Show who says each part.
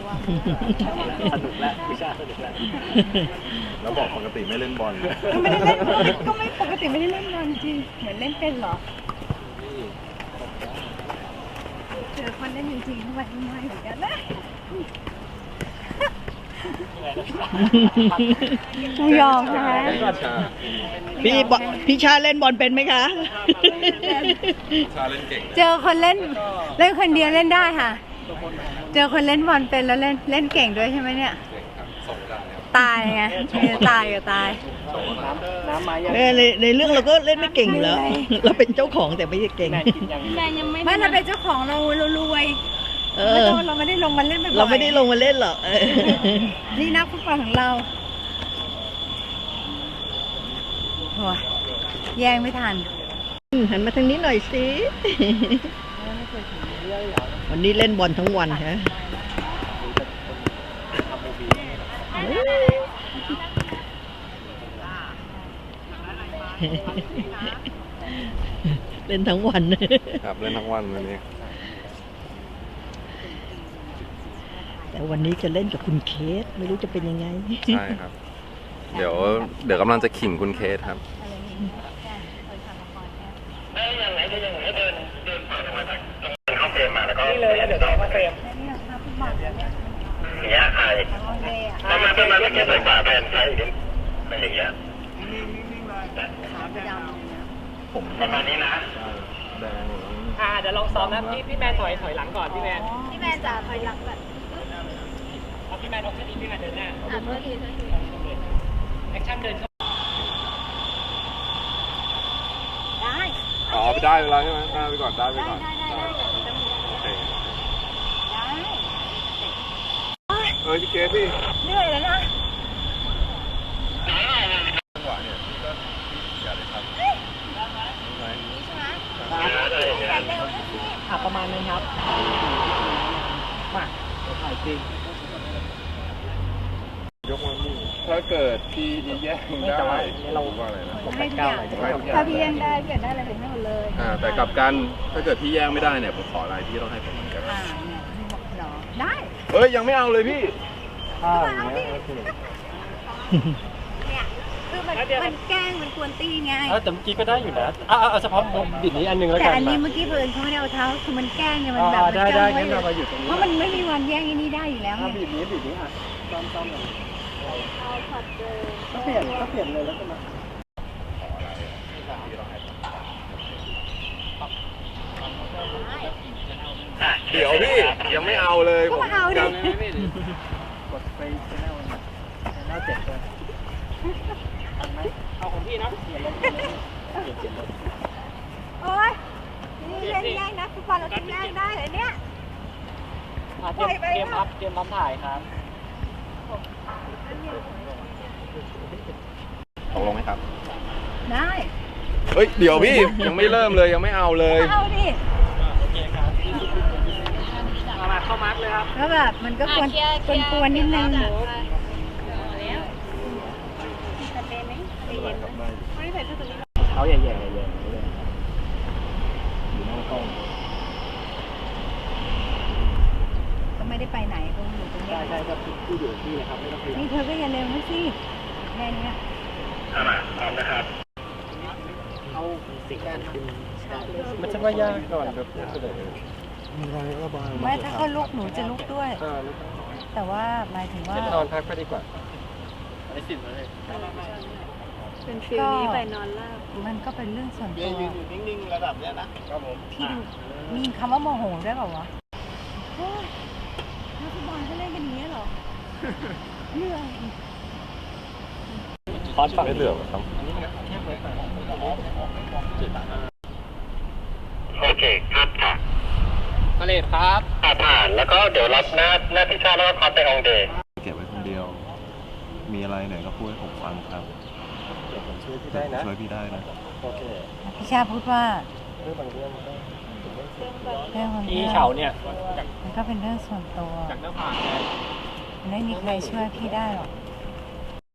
Speaker 1: สนุกแล้ววิชาสนุกแล้ว
Speaker 2: แล้วบอกปกติไม่เล่นบอล
Speaker 3: ก็ไม่ได้เล่นบอลก็ไม่ปกติไม่ได้เล่นบอลจริงเหมือนเล่นเป็นเหรอเจอคนเล่นจริงๆทุกวันไม่เหมือนกันนะกูยอมนะ
Speaker 4: พี่ชาเล่นบอลเป็นไหมคะ
Speaker 2: ชาเล่นเก่ง
Speaker 3: เจอคนเล่นคนเดียวเล่นได้ค่ะเจอคนเล่นบอลเป็นแล้วเล่นเก่งด้วยใช่ไหมเนี่ยตายไงตายก็ตาย
Speaker 4: ในเรื่องเราก็เล่นไม่เก่งอยู่แล้วเราเป็นเจ้าของแต่ไม่ใช่เก่ง
Speaker 3: ไม่เราเป็นเจ้าของเรารวยเราไม่ได้ลงมาเล่น
Speaker 4: เราไม่ได้ลงมาเล่นหรอก
Speaker 3: นี่นักฟุตบอลของเราโอ้ยแย่งไม่ทัน
Speaker 4: หันมาทางนี้หน่อยสิวันนี้เล่นบอลทั้งวันฮะเล่นทั้งวัน
Speaker 2: ครับเล่นทั้งวันวันนี้
Speaker 4: แต่วันนี้จะเล่นกับคุณเคสไม่รู้จะเป็นยังไง
Speaker 2: ใช่ครับเดี๋ยวกำลังจะขิงคุณเคสครับเข้าเฟรมมาแล้วก็นี่เลยเดี๋ยวเข้าเฟรมอย่างเงี้ยใครประมาณเมื่อกี้ใส่ฝาแผ่นใส่เป็นอย่างเงี้ยผมประมาณนี้นะแดง
Speaker 1: เดี๋ยวลองซ้อมนะพี่แมนถอยหลังก่อนพี่แมน
Speaker 3: จะถอยหลังแบบ
Speaker 1: พี่แมนเอาแค่นี้พี่แมนเดินหน้าแอคชั่นเดินเข้า
Speaker 3: ได้
Speaker 2: อ๋อไปได้เวลาใช่ไหมได้ไปก่อนได้โอเคพี่เคสพี่
Speaker 3: เหนื่อยแล้วนะ
Speaker 2: จังหวะเนี่ยพี่ก็อย่าเลยครับ
Speaker 1: ประมาณนั้นครับมาถ่ายจริง
Speaker 2: ยกมือถ้าเกิดพี่แย่งได้เราว่าอะไรนะ
Speaker 3: ถ้าพี่แย่งได้พี่ได้อะไรถึงให้หมดเลย
Speaker 2: แต่กับกันถ้าเกิดพี่แย่งไม่ได้เนี่ยผมขออะไรพี่ต้องให้ผมเหมือนกัน
Speaker 3: เนี่ยได้
Speaker 2: เฮ้ยยังไม่เอาเลยพี่
Speaker 3: เนี่ยคือมันแกล้งมันกวนตีไง
Speaker 1: แต่เมื่อกี้ก็ได้อยู่นะเฉพาะบิดนี้อันนึงแล้วกัน
Speaker 3: แต่อันนี้เมื่อกี้เพิ่นเขาไม่ได้เอาเท้าคือมันแกล้งเนี่ยมันแบบ
Speaker 1: ได้งั้นเรามาอยู่ตรงนี้
Speaker 3: เพราะมันไม่มีวันแย่งอันนี้ได้อยู่แล้ว
Speaker 1: บิดนี้ค่ะซ้อม
Speaker 3: เอาผัดเดิม
Speaker 1: ก็เปลี่ยนเลยแล้วกันนะ
Speaker 2: เดี๋ยวพี่ยังไม่เอาเลย
Speaker 3: ก็มาเอาดิ
Speaker 1: กดไปแชนแนล7เลยเอาของพี่นะ
Speaker 3: โอ๊ยนี่เล่นแย่งนะฟุตบอลเราแย่งได้เลยเนี่ย
Speaker 1: เกมรับถ่ายครับ
Speaker 2: ตกลงไหมครับ
Speaker 3: ได้
Speaker 2: เฮ้ยเดี๋ยวพี่ยังไม่เริ่มเลยยังไม่เอาเลย
Speaker 3: เอาดิ
Speaker 1: โอเคครับมาเข้ามาร์กเลยครับ
Speaker 3: แล้วแบบมันก็กวนนิดนึง
Speaker 1: เขาใหญ่อยู่หน้ากล้อง
Speaker 3: ก็ไม่ได้ไปไหนตรงอยู่ตรงนี้
Speaker 1: ใช่ครับที่อยู่ที่นะครับไม่ต้องไป
Speaker 3: นี่เธอก็อย่าเร็วนะสิแค่นี้
Speaker 2: พร้อมนะครับ
Speaker 1: เอาสิ่งการมันจะว่ายากก่อนแบบ
Speaker 3: ไม่ถ้าเขาลุกหนูจะลุกด้วยแต่ว่าหมายถึงว่าน
Speaker 1: อนพักไปดีกว่าไม่สิบเลย
Speaker 3: เป็นฟิลนี้ไปนอนลาบมันก็เป็นเรื่องส่วนตัว
Speaker 1: ยืนอยู่นิ่งๆระดับเนี้ยนะครับผม
Speaker 3: พี่ดูมีคำว่าโมโหได้เปล่าวะนักฟุตบอลเขาเล่นกันอย่างนี้เหรอเหนื่อย
Speaker 2: คอสไม่เหลือครับโอเคครับค่ะ
Speaker 1: มาเลยครับ
Speaker 2: ผ่านแล้วก็เดี๋ยวรับหน้าที่ชาแล้วก็คอสไปองเดย์เก็บไว้คนเดียวมีอะไรไหนก็พูดให้ผมฟังครับ
Speaker 1: ช่วยพี่ได้นะโอเค
Speaker 3: พี่ชาพูดว่า
Speaker 1: เรื่องบางเรื่อง
Speaker 3: พี่
Speaker 1: เฉาเนี่ย
Speaker 3: มันก็เป็นเรื่องส่วนตัว
Speaker 1: จากหน้าผาก
Speaker 3: ไม่มีใครช่วยพี่ได้หรอก